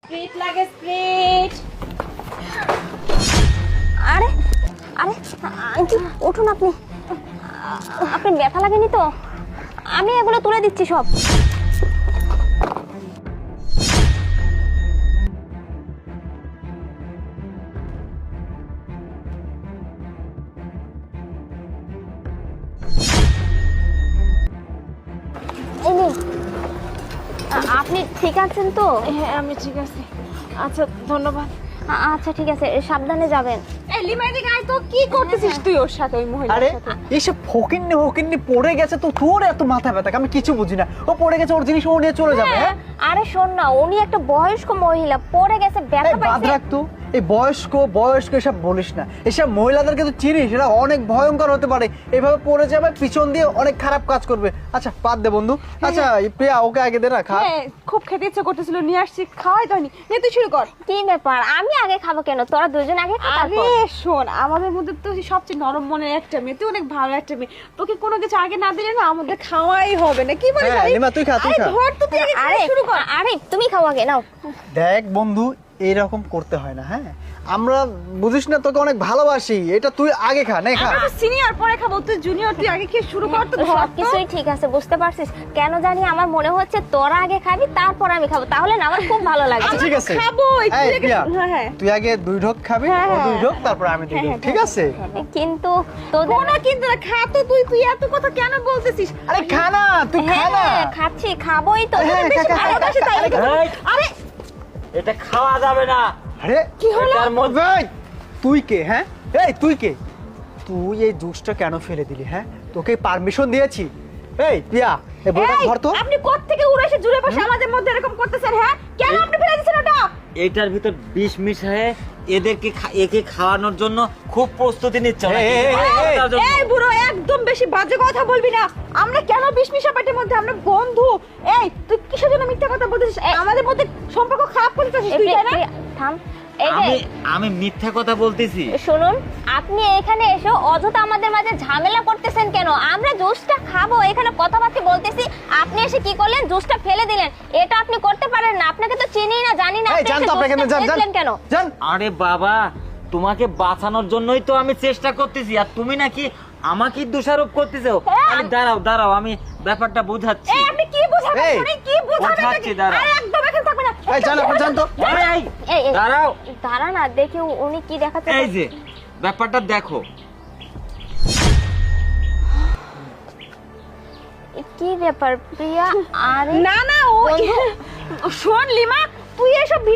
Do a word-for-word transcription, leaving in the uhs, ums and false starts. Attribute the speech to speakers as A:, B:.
A: Spirit লাগে spirit.
B: আরে আরে আন্টি উঠুন, আপনি আপনি ব্যথা লাগেনি তো? আমি এগুলো তুলে দিচ্ছি সব। এই নিন। আ- আপনি ঠিক আছেন তো?
A: হ্যাঁ আমি ঠিক আছি। আচ্ছা ধন্যবাদ।
B: আ- আচ্ছা ঠিক আছে, সাবধানে যাবেন।
A: এই লিমাই দিকে আয় তো, কি করতেছিস তুই ওর সাথে, ওই মহিলার
C: আরে
A: সাথে?
C: এইসব ফকিন্নি ফকিন্নি পড়ে গেছে তো তোর এত মাথা ব্যথা, আমি কিছু বুঝি না। ও পড়ে গেছে, ওর জিনিস ও নিয়ে চলে যাবে। হ্যাঁ
B: আরে শোন না, উনি একটা বয়স্ক মহিলা, পড়ে গেছে, ব্যথা
C: এই বাদ
B: পাইছে।
C: রাখ তো, এই বয়স্ক বয়স্ক এসব বলিস না। এসব মহিলাদেরকে তো চিনিস, এরা অনেক ভয়ঙ্কর হতে পারে। এভাবে পড়ে যাবে, পিছন দিয়ে অনেক খারাপ কাজ করবে। আচ্ছা বাদ দে বন্ধু। আচ্ছা এই প্রিয়া, ওকে আগে দে না, খা।
A: হ্যাঁ খুব খেতে ইচ্ছে করতেছিল, নিয়ে আসছি, খাওয়াই দয়নি। নে তুই শুরু কর।
B: কি ব্যাপার, আমি আগে খাবো কেন? তোরা দুজন আগে খা,
A: আরে
B: তারপর।
A: শোন, আমাদের মধ্যে তো সবচেয়ে নরম মনের একটা মেয়ে, তুই অনেক ভালো একটা মেয়ে, তোকে কোনো কিছু আগে না দিলে না আমাদের খাওয়াই হবে না। কি বলিস?
C: হ্যাঁ,
A: আরে,
C: লিমা, তুই খা, তুই
A: আরে
C: খা।
A: ধর তো, তুই আগে
B: আরে
A: খাওয়া শুরু কর।
B: আরে তুমি খাও আগে, নাও।
C: দেখ বন্ধু, এইরকম করতে হয় না। হ্যাঁ আমরা বুঝিস না, তোকে অনেক ভালোবাসি। এটা তুই আগে খা, নে খা।
A: আমরা সিনিয়র, পরে খাবো, তুই জুনিয়র, তুই আগে খেয়ে শুরু কর তো, ধর তো।
B: সবকিছুই ঠিক আছে, বুঝতে পারছিস? কেন জানি আমার মনে হচ্ছে তোরা আগে খাবি, তারপর আমি খাবো, তাহলে না আমার খুব ভালো লাগবে।
C: আচ্ছা ঠিক আছে,
A: খাবো, একটু
C: এই
A: লেগে-
C: প্রিয়া,
A: হ্যাঁ, হ্যাঁ।
C: তুই আগে দুই ঢোক খাবি,
A: হ্যাঁ,
C: ও দুই
A: হ্যাঁ।
C: ঢোক, তারপর আমি দুই
A: হ্যাঁ,
C: ঢোক,
A: হ্যাঁ,
C: ঠিক
A: হ্যাঁ,
C: আছে?
B: কিন্তু তোদের
A: কোনো কিন্তু না, খা তো তুই, তুই এত কথা কেন বলতেছিস?
C: আরে খা না, তুই খা
B: হ্যাঁ
C: না।
B: খাচ্ছি, খাবোই তো।
C: হ্যাঁ,
B: তোদের বেশি
C: খা, খা,
B: ভালো
C: খা,
B: বাসি তাই।
C: আরে,
D: এই,
A: আরে
D: এটা খাওয়া যাবে না।
C: আরে
A: কি হলো?
D: এটার মধ্যে
C: এই, তুই কে? হ্যাঁ এই তুই কে? তুই এই জুসটা কেন ফেলে দিলি? হ্যাঁ তোকে পারমিশন দিয়েছি? এই প্রিয়া, এই বইটা
A: এই,
C: ধর তো।
A: আপনি কোত্থেকে উড়ে এসে জুড়ে বসে আমাদের মধ্যে এরকম করতেছেন? হ্যাঁ কেন আপনি ফেলে দিচ্ছেন ওটা?
D: এটার ভিতর বিষ মিশায়ে এদেরকে খা- একে খাওয়ানোর জন্য খুব প্রস্তুতি নিচ্ছে ওরা।
C: এই, এই, এই, এই,
D: তার জন্য।
A: এই বুড়ো, একদম বেশি বাজে কথা বলবি না। আমরা কেন বিশমিশা পেটের মধ্যে, আমরা বন্ধু। এই তুই কিসের জন্য মিথ্যা কথা বলতেছিস? আমাদের মধ্যে সম্পর্ক খারাপ করতেছিস
B: এই
A: তুই,
B: প্রিয়া,
A: তাই না?
B: প্রিয়া, থাম। এই যে
D: আমি আমি মিথ্যা কথা বলতেছি?
B: শুনুন, আপনি এখানে এসে অযথা আমাদের মাঝে ঝামেলা করতেছেন কেন? আমরা জুসটা খাবো, এখানে কথাবার্তা বলতেছি, আপনি এসে কি করলেন? জুসটা ফেলে দিলেন। এটা আপনি করতে পারেন না, আপনাকে তো চিনি না, জানি না,
C: এই
B: আপনি
C: জান
B: এসে
C: তো, আপনি এখানে
B: জুসটা
C: যান, যান,
B: ফেললেন কেন?
C: যান।
D: আরে বাবা, তোমাকে বাঁচানোর জন্যই তো আমি চেষ্টা করতেছি, আর তুমি নাকি আমাকে দোষারোপ করতেছো।
B: হ্যাঁ,
D: আরে দাঁড়াও দাঁড়াও, আমি ব্যাপারটা বুঝাচ্ছি।
A: এই আপনি কি বোঝাবেন?
C: এই,
A: আপনি কি বোঝাবেন?
D: বোঝাচ্ছি,
A: নাকি?
D: দাঁড়াও।
A: আরে একদম এখানে থাকবে না।
C: এই জান, আপনি জান তো।
D: আরে, এই,
B: এই, এই,
D: দাঁড়াও।
B: দাঁড়া না, দেখি উনি কি দেখাচ্ছে।
D: এই যে ব্যাপারটা দেখো।
B: কি ব্যাপার প্রিয়া? আরে
A: না না, ও
B: বন্ধু।
A: শোন লিমা, তুই এসব